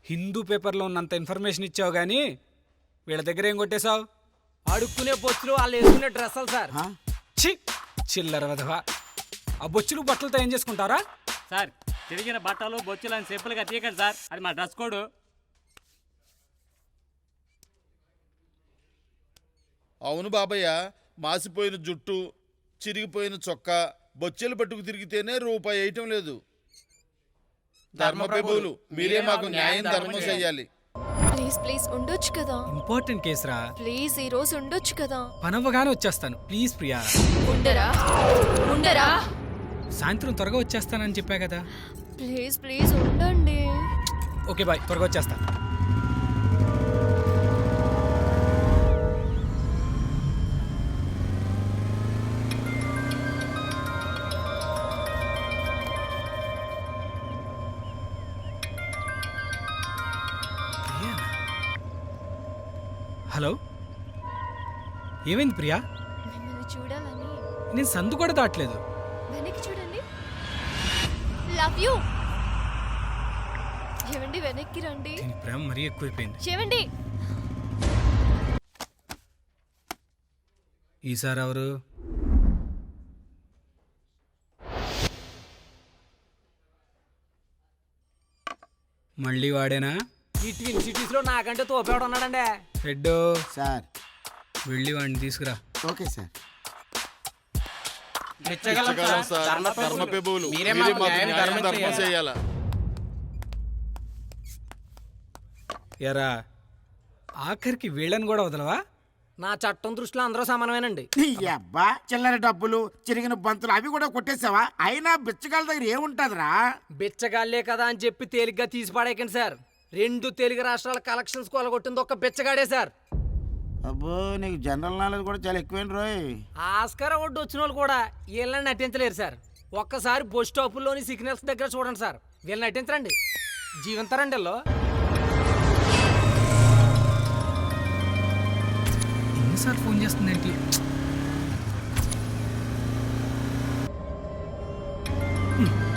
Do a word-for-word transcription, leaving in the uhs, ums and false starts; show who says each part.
Speaker 1: హిందూ పేపర్లో ఉన్నంత ఇన్ఫర్మేషన్ ఇచ్చావు కానీ వీళ్ళ దగ్గర ఏం కొట్టేశావు?
Speaker 2: అడుక్కునే బొచ్చులు వాళ్ళు వేసుకునే డ్రెస్సులు సార్.
Speaker 1: చి చిల్లర వధవా. ఆ బొచ్చులు బట్టలతో ఏం చేసుకుంటారా
Speaker 3: సార్? తిరిగిన బట్టలు బొచ్చులు అని సింపుల్గా తీయకండి సార్, అది మా డ్రెస్ కోడ్.
Speaker 4: అవును బాబయ్య, మాసిపోయిన జుట్టు, చిరిగిపోయిన చొక్కా, బొచ్చెలు పట్టుకు తిరిగితేనే రూపాయి వేయటం లేదు. ధర్మప్రభువులు మీరే మాకు న్యాయం ధర్మం చెయ్యాలి.
Speaker 5: ప్లీజ్ ప్లీజ్ ఉండొచ్చు కదా.
Speaker 1: ఇంపార్టెంట్ కేసురా.
Speaker 5: ప్లీజ్ ఈ రోజు ఉండొచ్చు కదా.
Speaker 1: పనవ్వగానే వచ్చేస్తాను ప్లీజ్ ప్రియా.
Speaker 5: ఉండరా ఉండరా
Speaker 1: సాయంత్రం త్వరగా వచ్చేస్తానని చెప్పా కదా.
Speaker 5: ప్లీజ్ ప్లీజ్ ఉండండి.
Speaker 1: ఓకే బాయ్, త్వరగా వచ్చేస్తా. హలో, ఏమైంది ప్రియా?
Speaker 5: మిమ్మల్ని చూడాలని.
Speaker 1: నేను సందు కూడా దాటలేదు.
Speaker 5: వెనక్కి చూడండి. Love you. ఏవండి వెనక్కి రండి.
Speaker 1: దీని ప్రేమ మరీ ఎక్కువైపోయింది.
Speaker 5: ఏవండి.
Speaker 1: ఈసారి ఎవరు? మళ్ళీ వాడేనా?
Speaker 2: ఈ ట్విన్ సిటీస్ లో నాకంటే తోపేవాడు ఉన్నాడండి.
Speaker 1: Head
Speaker 6: sir.
Speaker 1: వెళ్ళి వాడిని తీసుకురా.
Speaker 6: Okay sir.
Speaker 4: ఇచ్చగలం సార్, ధర్మప్రభువులు మీరే మాకు న్యాయం ధర్మం చెయ్యాలా.
Speaker 1: ఎరా ఆఖరికి వీళ్ళని కూడా వదలవా?
Speaker 2: నా చట్టం దృష్టిలో అందరూ సమానమేనండి.
Speaker 6: అబ్బా, చిల్లర డబ్బులు, చిరిగిన బంతులు అవి కూడా కొట్టేసావా? అయినా బిచ్చగాళ్ళ దగ్గర ఏముంటదిరా?
Speaker 2: బిచ్చగాళ్లే కదా అని చెప్పి తేలిగ్గా తీసి పడేయకండి సార్. రెండు తెలుగు రాష్ట్రాల కలెక్షన్స్ కొలగొట్టింది ఒక్క బిచ్చగాడే సార్.
Speaker 6: అబ్బో, నీకు జనరల్ నాలెడ్జ్ కూడా చాలా ఎక్కువేంటి రోయ్.
Speaker 2: ఆస్కార్ అవార్డు వచ్చిన వాళ్ళు కూడా వీళ్ళని నటించలేరు సార్. ఒక్కసారి బస్ స్టాపుల్లోని సిగ్నల్స్ దగ్గర చూడండి సార్, వీళ్ళని నటించరండి, జీవంతారండి వీళ్ళు.
Speaker 1: ఎన్నిసార్లు ఫోన్ చేస్తుందేంటి? హ్మ్.